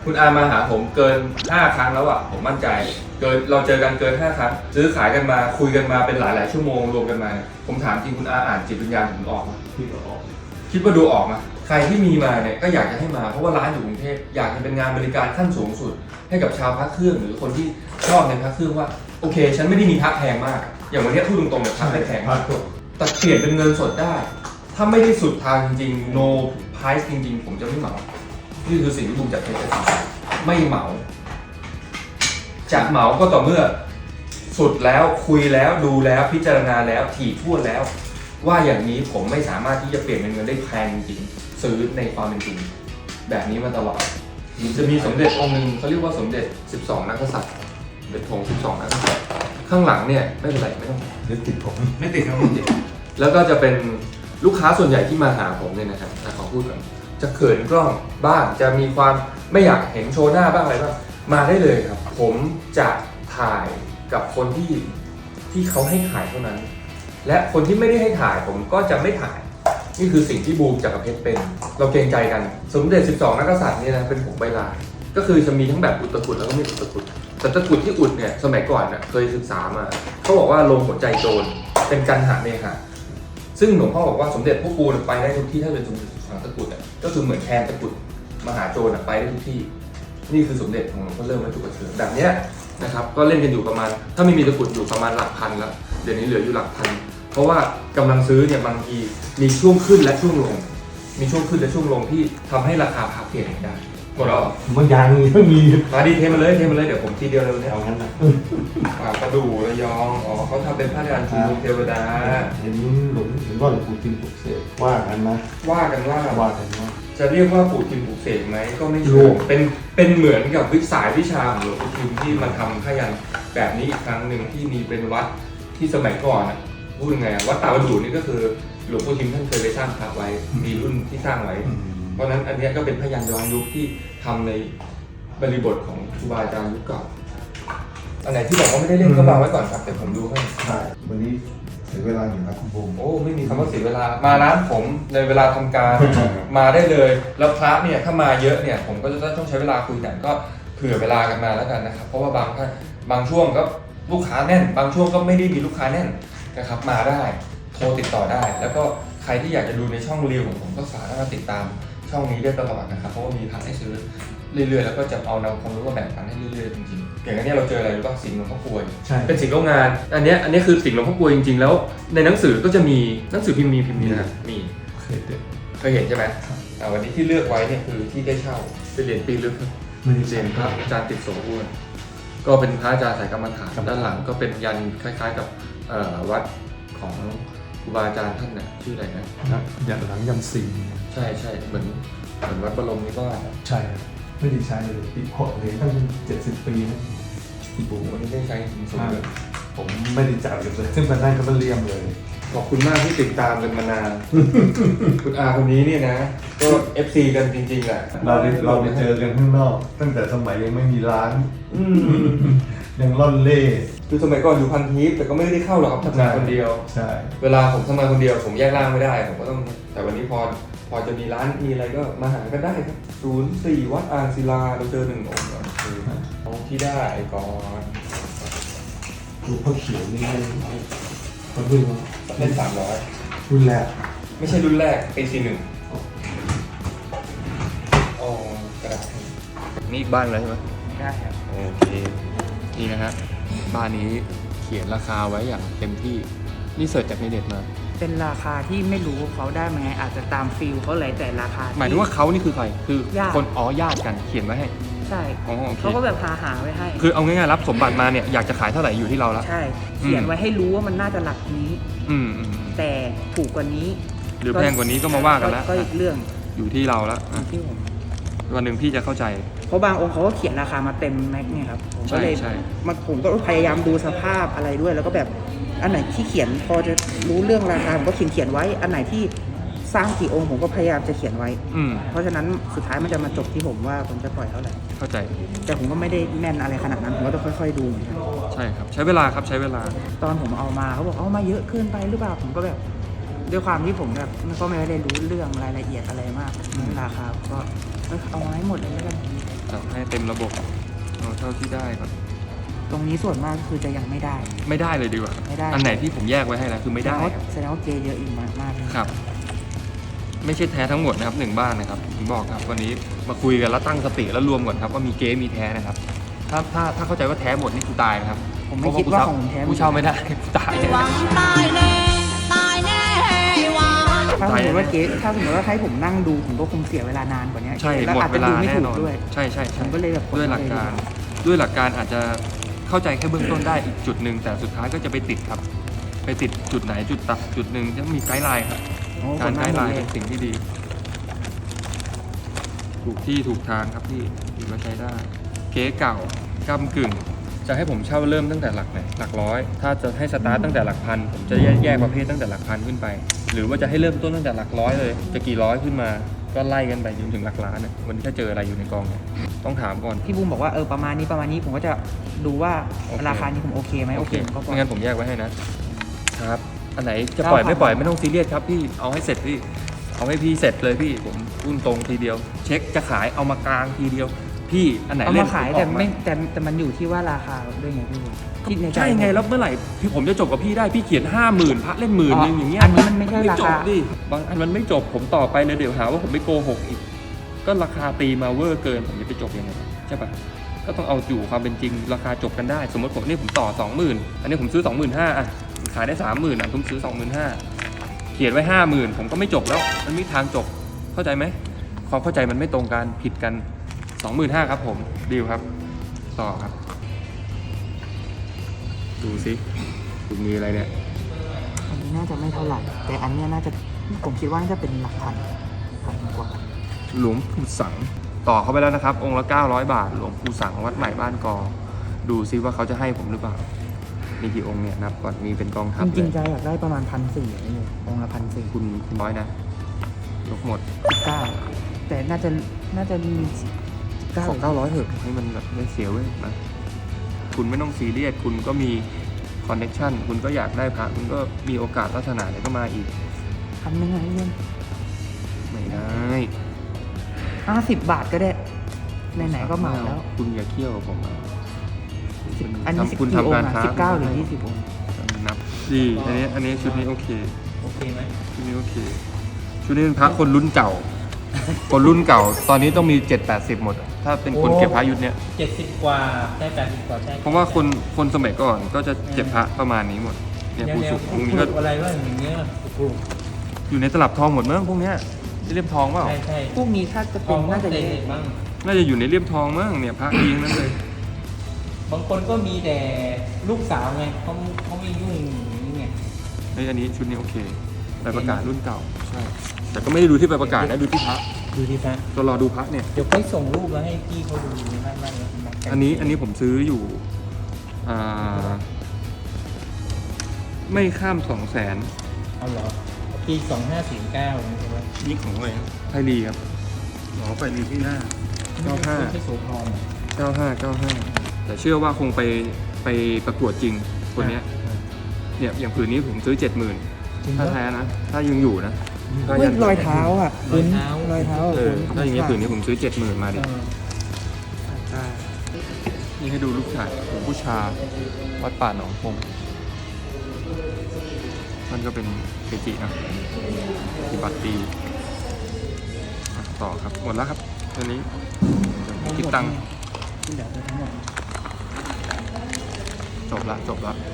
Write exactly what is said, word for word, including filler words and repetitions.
คุณอามาหาผมเกินห้าครั้งแล้วอ่ะผมมั่นใจเกินเราเจอกันเกินห้าครั้งซื้อขายกันมาคุยกันมาเป็นหลายๆชั่วโมงรวมกันมาผมถามจริงคุณอาอ่านจิตวิญญาณผมออกไหมคิดว่าออกคิดว่าดูออกไหมใครที่มีมาเนี่ยก็อยากจะให้มาเพราะว่าร้านอยู่กรุงเทพอยากจะเป็นงานบริการขั้นสูงสุดให้กับชาวพระเครื่องหรือคนที่ชอบในพระเครื่องว่าโอเคฉันไม่ได้มีพระแพงมากอย่างวันนี้พูดตรงๆเนี่ยพระไม่แพงมากแต่เปลี่ยนเป็นเงินสดได้ถ้าไม่ได้สุดทางจริงๆ no price จริงๆผมจะไม่เหมานี่คือสิ่งที่บูมจัดเป็นเอสไม่เหมาจะเหมาก็ต่อเมื่อสุดแล้วคุยแล้วดูแล้วพิจารณาแล้วถี่ถ้วนแล้วว่าอย่างนี้ผมไม่สามารถที่จะเปลี่ยนเป็นเงินได้แพงจริงซื้อในความเป็นจริงแบบนี้มาตลอดจะมีสมเด็จองค์หนึ่งเขาเรียกว่าสมเด็จสิบสองนักษัตริย์สมเด็จธงสิบสองนักษัตริย์ข้างหลังเนี่ยไม่เป็นไรไม่ต้องไม่ติดผมไม่ติดครับไม่ติดแล้วก็จะเป็นลูกค้าส่วนใหญ่ที่มาหาผมเนี่ยนะครับขอพูดก่อนจะเขินกล้องบ้างจะมีความไม่อยากเห็นโชว์หน้าบ้างอะไรบ้างมาได้เลยครับผมจะถ่ายกับคนที่ที่เขาให้ถ่ายเท่านั้นและคนที่ไม่ได้ให้ถ่ายผมก็จะไม่ถ่ายนี่คือสิ่งที่บูมจักรเพชรเป็นเราเกรงใจกันสมเด็จสิบสองนักกษัตริย์เนี่ยนะเป็นผงใบลานก็คือจะมีทั้งแบบอุดตะกุดแล้วก็ไม่อุดตะกุดแต่ตะกุดที่อุดเนี่ยสมัยก่อนเนี่ยเคยศึกษามาเขาบอกว่าลงหัวใจโจรเป็นกันหะเนหะซึ่งหลวงพ่อบอกว่าสมเด็จพวกกูไปได้ทุกที่ถ้าเป็นสมเด็จสิบสองตะกุดเนี่ยก็คือเหมือนแคนตะกุดมหาโจรไปได้ทุกที่นี่คือสมเด็จของหลวงพ่อเริ่มวัตถุประเสริฐแบบเนี้ยนะครับก็เล่นกันอยู่ประมาณถ้าไม่มีตะกุดอยู่ประมาณหลักพันแล้วเดี๋ยวนี้เหลืออยู่หลักพันเพราะว่ากำลังซื้อเนี่ยบางทีมีช่วงขึ้นและช่วงลงมีช่วงขึ้นและช่วงลงที่ทำให้ราคาพักเปลี่ยนได้หมดแล้วบางอย่างยังมีมาดีเทมาเลยเทมาเลยเดี๋ยวผมทีเดียวเลยเนี่ยเอางั้นนะกระดูระยองอ๋อเขาทำเป็นผ้ายันชุมนุมเทวดาเห็นหลวงเห็นว่าหลวงปู่ทิมปลุกเสกว่ากันนะว่ากันว่าว่ากันว่าจะเรียกว่าปู่ทิมปลุกเสกไหมก็ไม่ใช่เป็นเป็นเหมือนกับวิสายวิชาของหลวงปู่ทิมที่มาทำผ้ายันแบบนี้อีกครั้งหนึ่งที่มีเป็นวัดที่สมัยก่อนอ่ะพูดยังไงวัดตาประดูนี่ก็คือหลวงปู่ทิมท่านเคยไปสร้างพระไว้มีรุ่นที่สร้างไว้เพราะนั้นอันนี้ก็เป็นพยัญชนะย้อนยุคที่ทำในบริบทของครูบาอาจารย์ยุคเก่าอันไหนที่บอกว่าไม่ได้เล่นก็วางไว้ก่อนครับแต่ผมดูให้ใช่วันนี้เสียเวลาอยู่นะคุณบูมโอ้ไม่มีคำว่าเสียเวลามาร้านผมในเวลาทำการ มาได้เลยแล้วพระเนี่ยถ้ามาเยอะเนี่ยผมก็จะต้องใช้เวลาคุยกันก็เผื่อเวลากันมาแล้วกันนะครับเพราะว่าบางท่านบางช่วงก็ลูกค้าแน่นบางช่วงก็ไม่ได้มีลูกค้าแน่นนะครับมาได้โทรติดต่อได้แล้วก็ใครที่อยากจะดูในช่องรีวของผมก็สามารถติดตามช่องนี้ได้ตลอดนะครับเพราะว่ามีพระให้ซื้อเรื่อยๆแล้วก็จะเอานำความรู้มาแบ่งปันให้เรื่อยๆจริงๆอย่างนี้เราเจออะไรรู้ป่ะสิ่งหลวงพ่อกลวยเป็นสิ่งโรงงานอันนี้อันนี้คือสิ่งหลวงพ่อกลวยจริงๆแล้วในหนังสือก็จะมีหนังสือพิมพ์มีพิมพ์มีนะมีเคยเห็นเคยเห็นใช่ไหมวันนี้ที่เลือกไว้เนี่ยคือที่ได้เช่าเป็นเหรียญปีลึกเหรียญพระอาจารย์ติดโสอ้วนก็เป็นพระอาจารย์สายกรรมฐานด้านหลังก็เป็นยันคล้ายๆกับวัดของครูบาอาจารย์ท่านน่ะชื่ออะไรนะยันหลังยันสีใช่ใช่เหมือนเหมือนวัดบรมนิวาสใช่ไม่ได้ใช้เลยปีหกเหรียญตั้งเจ็ดสิบปีนะที่ปู่วันนี้ได้ใช้จริงๆเลยผมไม่ได้จับเลยซึ่งพนักงานก็เลี่ยมเลยขอบคุณมากที่ติดตามกันมานานคุณอาคนนี้เนี่ยนะก็ เอฟ ซี กันจริงๆแหละเราได้เราไปเจอกันข้างนอกตั้งแต่สมัยยังไม่มีร้านยังล่อนเล่คือสมัยก่อนอยู่พันทิพย์แต่ก็ไม่ได้เข้าหรอกครับทำงานคนเดียวใช่เวลาผมทำงานคนเดียวผมแยกร่างไม่ได้ผมก็ต้องแต่วันนี้พอพอจะมีร้านมีอะไรก็มาหากันได้ครับศูนย์สี่วัดอ่างศิลาเราเจอหนึ่งองค์คือองค์ที่ได้ก่อนดูพ่อเขียวนี่เขาดูว่าเล่นสามร้อยรุ่นแรกไม่ใช่รุ่นแรกปีสี่หนึ่งอ๋อกระดาษนี่อีกบ้านเลยใช่ไหมได้ครับโอเคนี่นะฮะบ้านนี้เขียนราคาไว้อย่างเต็มที่นี่เสิร์ชจากในเน็ตมาเป็นราคาที่ไม่รู้เขาได้มาไงอาจจะตามฟิลเขาเลยแต่ราคาหมายถึงว่าเขานี่คือใครคือคนอ๋อญาติกันเขียนไว้ให้ใช่เขาก็แบบหาหาไว้ให้คือเอาง่ายๆรับสมบัติมาเนี่ยอยากจะขายเท่าไหร่อยู่ที่เราแล้วใช่เขียนไว้ให้รู้ว่ามันน่าจะหลักนี้อืมแต่ถูกกว่านี้หรือแพงกว่านี้ก็มาว่ากันแล้วก็อีกเรื่องอยู่ที่เราแล้วที่ผมวันหนึ่งพี่จะเข้าใจเพราะบางองค์เขาก็เขียนราคามาเต็มแม็กเนี่ยครับผมก็เลยมาผมก็พยายามดูสภาพอะไรด้วยแล้วก็แบบอันไหนที่เขียนพอจะรู้เรื่องราคาผมก็เขียนเขียนไว้อันไหนที่สร้างกี่องค์ผมก็พยายามจะเขียนไว้เพราะฉะนั้นสุดท้ายมันจะมาจบที่ผมว่าผมจะปล่อยเท่าไหร่เข้าใจแต่ผมก็ไม่ได้แน่นอะไรขนาดนั้นผมก็ต้องค่อยๆดูเหมือนกันใช่ครับใช้เวลาครับใช้เวลาตอนผมเอามาเขาบอกเอามาเยอะเกินไปหรือเปล่าผมก็แบบด้วยความที่ผมแบบก็ไม่ได้รู้เรื่องรายละเอียดอะไรมากราคาก็เอามาให้หมดเลยแล้วกันจัดให้เต็มระบบเอาเท่าที่ได้ก่อนตรงนี้ส่วนมากคือจะยังไม่ได้ไม่ได้เลยดีกว่าไม่ได้อันไหนที่ผมแยกไว้ให้นะคือไม่ได้แสดงว่าครับแสดงว่าเกย์เยอะอีกมากมากเลยครับ ไม่ใช่แท้ทั้งหมดนะครับหนึ่งบ้านนะครับผมบอกครับวันนี้มาคุยกันแล้วตั้งสติแล้วรวมก่อนครับว่ามีเก๊มีแท้นะครับ ถ้าถ้าถ้าเข้าใจว่าแท้หมดนี่กูตายนะครับผมไม่คิดว่าของผมแท้ผู้เช่าไม่ได้กูตายหวังตายแน่ตายแน่หวังถ้าสมมติว่าเกย์ถ้าสมมติว่าให้ผมนั่งดูผมก็คงเสียเวลานานกว่านี้ใช่แล้วหมดอาจเวจะลาดูไม่แน่ถูนกอนด้วยใช่ใช่ผใช่มก็เลยแบบด้วยหลักการด้วยหลักการอาจจะเข้าใจแค่เบื้องต้นได้อีกจุดหนึ่งแต่สุดท้ายก็จะไปติดครับ ไปติดจุดไหนจุดตัดจุดหนึ่งจะมีไกด์ไลน์ครับโอ้การไกด์ไลน์ผเป็มนสิ่งที่ดี ถูกที่ถูกทางครับพี่ถือว่าใช้ได้ เก๊เก่าก้ำกึ่ง จะให้ผมเช่าเริ่มตั้งแต่หลักไหนหลักร้อย ถ้าจะให้สตาร์ตตั้งแต่หลักพันผมจะแยกแยกประเภทตั้งแต่หลักพันขึ้นไป หรือว่าจะให้เริ่มต้นตั้งแต่หลักร้อยเลย จะกี่ร้อยขึ้นมาก็ไล่กันไปจนถึงหลักล้านนะวันนี้ถ้าเจออะไรอยู่ในกองเนี่ยต้องถามก่อนพี่บูมบอกว่าเออประมาณนี้ประมาณนี้ผมก็จะดูว่าโอเคราคานี้ผมโอเคไหมโอเคผมก็ปล่อยไม่งั้นผมแยกไว้ให้นะครับ อันไหนจะปล่อยไม่ปล่อยไม่ต้องซีเรียสครับพี่เอาให้เสร็จพี่เอาให้พี่เสร็จเลยพี่ผมพูดตรงทีเดียว เช็คจะขายเอามากลางทีเดียว พี่อันไหนเอาเล่มาน ขายผแต่ออกไม่แต่แต่มันอยู่ที่ว่าราคาด้วยไงพี่บูมคิดในใจใช่ไงแล้วเมื่อไหร่ที่ผมจะจบกับพี่ได้พี่เขียนห้าหมื่นพระเล่นหมื่นนึงอย่างเงี้ยอันนี้มันไม่ใช่ไม่ราจคาบดิบางอันมันไม่จบผมต่อไปเลยเดี๋ยวหาว่าผมไม่โกหกอีก ก็ราคาตีมาเวอร์เกินผมจะไปจบยังไงใช่ปะก็ต้องเอาอยู่ความเป็นจริงราคาจบกันได้ สมมติผมนี่ผมต่อสองหมื่นอันนี้ผมซื้อสองหมื่นห้าอ่ะขายได้สามหมื่นอ่ะผมซื้อสองหมื่นห้าเขียนไว้ห้าหมื่นผมก็ไม่จบแล้วมันไม่มีทางจบเข้าใจไหมความเข้าใจมันไม่ตรงกันผิดกันสองหมื่นห้าครับผมดีลครับต่อครับ ดูสิคุณมีอะไรเนี่ยอันนี้น่าจะไม่เท่าไหร่ แต่อันเนี้ยน่าจะผมคิดว่าน่าจะเป็นหลักพันพันกว่าหลวงปู่สังต่อเข้าไปแล้วนะครับ องค์ละเก้าร้อยบาท หลวงปู่สังวัดใหม่บ้านกอ ดูซิว่าเขาจะให้ผมหรือเปล่า มีกี่องค์เนี่ยนับก่อนมีเป็นกองทัพจเลริงยๆใจอยากได้ประมาณพันสี่เลยองค์ละพันสี่คุณคุณน้อยนะยกหมดเก้าแต่น่าจะน่าจะมีเก้าขอเก้าร้อยเถอะให้มันแบบไม่เสียเว้ยนะคุณไม่ต้องซีเรียสคุณก็มีคอนเนคชั่นคุณก็อยากได้พระคุณก็มีโอกาสลักษณะเนี่ยก็มาอีกพันหนึ่งอะไรเงี้ยไม่ได้ห้าสิบบาทก็ได้ไหนๆก็มาแล้วคุณอย่าเคี่ยวกับผมนะอันนี้ทำคุณกี่องทำการค์ค้าสิบเก้าหรือยี่สิบองค์นับดีอันนี้อันนี้ชุดนี้โอเคโอเคไหมชุดนี้โอเค ชุดนี้เป็นพระคนรุ่นเก่า คนรุ่นเก่า ตอนนี้ต้องมีเจ็ดแปดสิบหมดอะถ้าเป็นคนเก็บพระยุคเนี้ยเจ็ดสิบกว่าได้แปดสิบกว่าใช่เพราะว่าคนคนสมัยก่อนก็จะเก็บพระประมาณนี้หมด เนี่ยแนวผู้แนสูวงปองค์นี้ลูก็กอะไรว่าอย่างเงี้ยปลูกอยู่ในตลับทองหมดมั้งพวกเนี้ยเลี่ยมทองเปล่าใช่ใช่พวกนี้ถ้าจะทเป็อน งน่าน่าจะจะเยเด็อะดมั้งน่าจะอยู่ในเลี่ยมทองมั้งเนี่ยพระเองนั้นเลยบางคนก็มีแต่ลูกสาวไงเขาเขาไม่ยุ่งอย่างนี้ไงเฮ้ยอันนี้ชุดนี้โอเคใบประกาศรุ่นเก่าใช่แต่ก็ไม่ได้ดูที่ใบประกาศนะดูที่พระดูดิพระก็รอดูพระเนี่ยเดี๋ยวค่อยส่งรูปมาให้พี่เขาดูไม่ไม่ไม่อันนี้อันนี้ผมซื้ออยู่อ่าไม่ข้ามสองแสนเอาเหรอปีสองห้าสี่เก้าใช่ไหมนี่ของอะไรครับไทยลีครับหมอไฟลีที่หน้า เก้าห้าที่โสธรเก้าห้าเก้าห้าแต่เชื่อว่าคงไปไปประกวดจริงคนเนี้ยเนี่ยอย่างผืนนี้ผมซื้อเจ็ดหมื่นจริงถ้าปะแท้นะ ถ้ายังอยู่นะถ้าเฮ้ยยังรอยเท้าอ่ะรอยเท้ารอยเท้าเออถ้าอย่างเงี้ยผืนนี้ผมซื้อเจ็ดหมื่นมาดิเอออ่านี่ให้ดูลูกชายหลวงปู่ชาวัดป่าหนองพงมันก็เป็นเกจินะปฏิบัติดีอ่ะต่อครับหมดแล้วครับตัวนี้เดี๋ยวคิดตังค์ที่เหลือคือทั้งหมดจบละจบละ